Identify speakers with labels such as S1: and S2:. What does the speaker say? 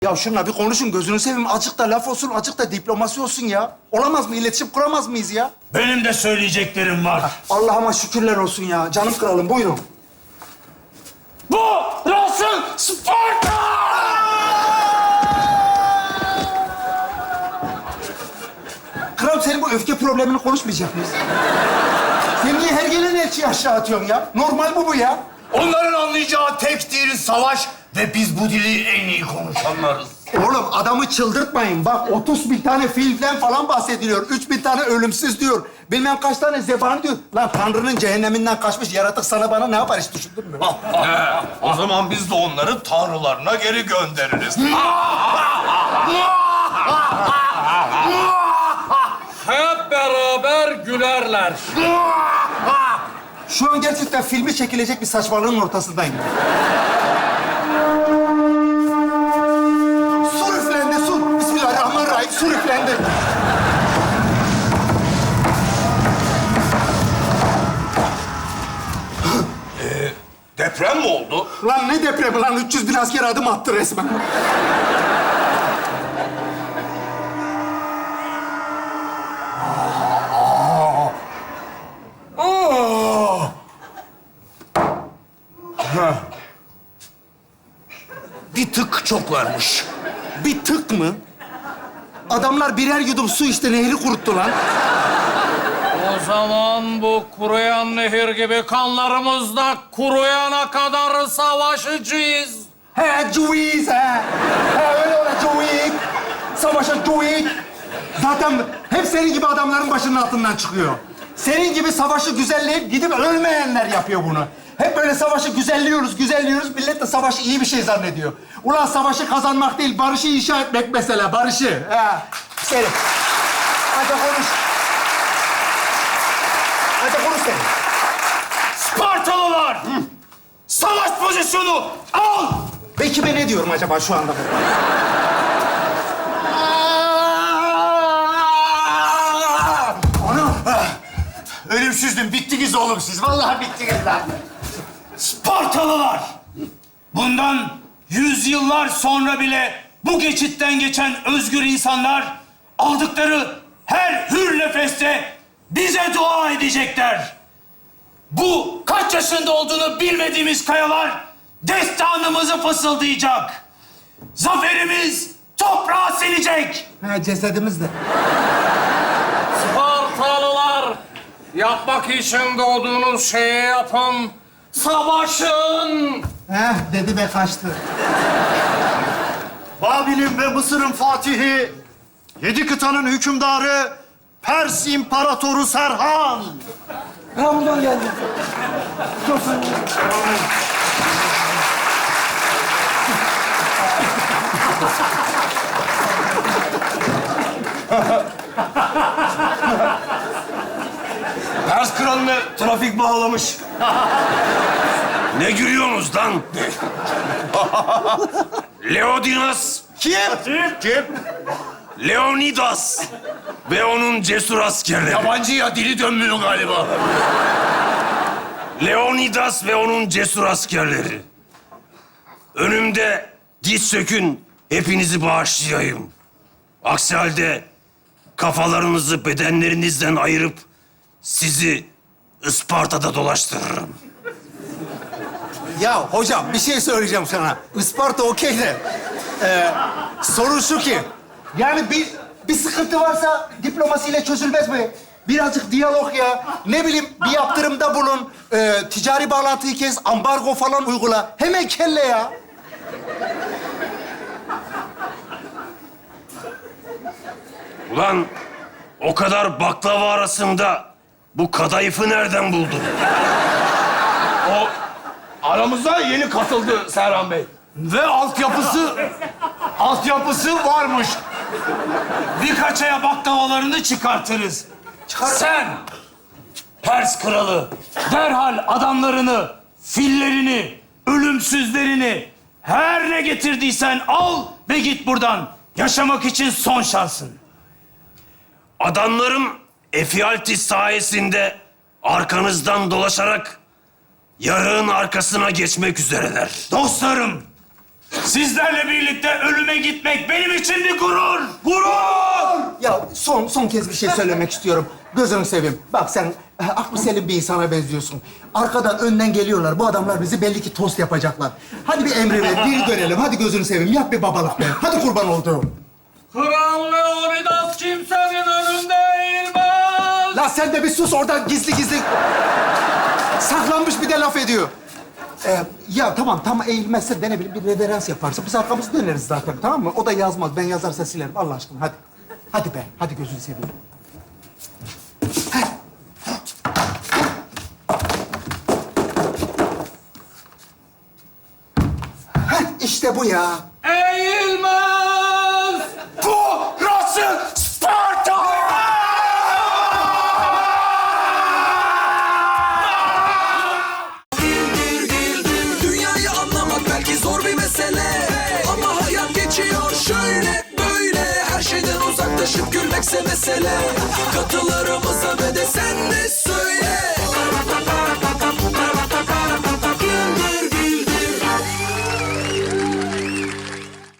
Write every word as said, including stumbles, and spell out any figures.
S1: Ya şunla bir konuşun, gözünü seveyim. Azıcık da laf olsun, azıcık da diplomasi olsun ya. Olamaz mı? İletişim kuramaz mıyız ya?
S2: Benim de söyleyeceklerim var.
S1: Allah'ıma şükürler olsun ya. Canım kralım, buyurun.
S2: Bu Russell Sparta!
S1: Kral, senin bu öfke problemini konuşmayacak mıyız? Sen niye her gelen elçiyi aşağı atıyorsun ya? Normal bu bu ya.
S2: Onların anlayacağı tek dil savaş ve biz bu dili en iyi konuşanlarız.
S1: Oğlum adamı çıldırtmayın. Bak otuz bin tane filmden falan bahsediliyor. Üç bin tane ölümsüz diyor. Bilmem kaç tane zebani diyor. Lan Tanrı'nın cehenneminden kaçmış yaratık sana bana ne yapar hiç düşündün mü?
S3: He, o zaman biz de onları tanrılarına geri göndeririz.
S4: Hep beraber gülerler.
S1: Şu an gerçekten filmi çekilecek bir saçmalığın ortasındayım. Sur üflendi, sur. Bismillahirrahmanirrahim, sur üflendi.
S3: Deprem mi oldu?
S1: Lan ne depremi lan? üç yüz bin asker adım attı resmen.
S2: Bir tık çok varmış.
S1: Bir tık mı? Adamlar birer yudum su işte nehri kuruttu lan.
S4: O zaman bu kuruyan nehir gibi kanlarımız da kuruyana kadar savaşacağız.
S1: He cuiz he. He öyle öyle cuiz. Savaşa cuiz. Zaten hep senin gibi adamların başının altından çıkıyor. Senin gibi savaşı güzelleyip gidip ölmeyenler yapıyor bunu. Hep böyle savaşı güzelliyoruz, güzelliyoruz. Millet de savaşı iyi bir şey zannediyor. Ulan savaşı kazanmak değil, barışı inşa etmek mesela, barışı. He. Senin. Hadi konuş. Hadi konuş sen.
S2: Spartalılar! Savaş pozisyonu al!
S1: Ben kime ne diyorum acaba şu anda? Ana!
S2: Ölümsüzdüm, bittiniz oğlum siz. Vallahi bittiniz lan. Spartalılar! Bundan yüzyıllar sonra bile bu geçitten geçen özgür insanlar aldıkları her hür nefeste bize dua edecekler. Bu kaç yaşında olduğunu bilmediğimiz kayalar destanımızı fısıldayacak. Zaferimiz toprağa silecek.
S1: Ha, cesedimiz de.
S4: Spartalılar, yapmak için doğduğunuz şeyi yapın. Savaşın.
S1: Heh, dedi ve kaçtı.
S5: Babil'in ve Mısır'ın fatihi, yedi kıtanın hükümdarı, Pers İmparatoru Serhan.
S1: Ha, buradan geldi.
S2: Pers kralını trafik bağlamış.
S6: Ne gülüyorsunuz lan? Leonidas,
S3: Kim? Kim?
S6: Leonidas ve onun cesur askerleri.
S2: Yabancı ya, dili dönmüyor galiba.
S6: Leonidas ve onun cesur askerleri. Önümde diz sökün, hepinizi bağışlayayım. Aksi halde kafalarınızı bedenlerinizden ayırıp sizi Isparta'da dolaştırırım.
S1: Ya hocam bir şey söyleyeceğim sana. Isparta okey de. Ee, sorun şu ki. Yani bir bir sıkıntı varsa diplomasiyle çözülmez mi? Birazcık diyalog ya. Ne bileyim bir yaptırımda bulun. Ee, ticari bağlantıyı kes, ambargo falan uygula. Hemen kelle ya.
S6: Ulan o kadar baklava arasında bu kadayıfı nereden buldun?
S2: O aramıza yeni katıldı Serhan Bey. Ve altyapısı, altyapısı varmış. Birkaç aya baklavalarını çıkartırız. Sen, Pers kralı, derhal adamlarını, fillerini, ölümsüzlerini, her ne getirdiysen al ve git buradan. Yaşamak için son şansın.
S6: Adamlarım Efialtis sayesinde arkanızdan dolaşarak yarığın arkasına geçmek üzereler.
S2: Dostlarım,
S6: Sizlerle birlikte ölüme gitmek benim için bir gurur.
S1: Ya son son kez bir şey söylemek istiyorum. Gözünü seveyim. Bak sen e, aklı selim bir insana benziyorsun. Arkadan önden geliyorlar. Bu adamlar bizi belli ki tost yapacaklar. Hadi bir emri ver, bir dönelim. Hadi gözünü seveyim. Yap bir babalık be. Hadi kurban olduğum.
S4: Kral Leonidas kimsenin önünde eğilmez.
S1: La sen de bir sus oradan gizli gizli. Saklanmış bir de laf ediyor. Ee, ya tamam, tam eğilmezse de ne bileyim bir reverans yaparsa biz arkamızı döneriz zaten, tamam mı? O da yazmaz. Ben yazarsa silerim. Allah aşkına hadi. Hadi be. Hadi gözünü seveyim. Heh. Heh, işte bu ya.
S4: Eğilmez.
S2: Burası Sparta!
S7: Dünyayı anlamak belki zor bir mesele, ama hayat geçiyor şöyle böyle. Her şeyden uzaklaşıp gülmekse mesele. Katılarımıza ve de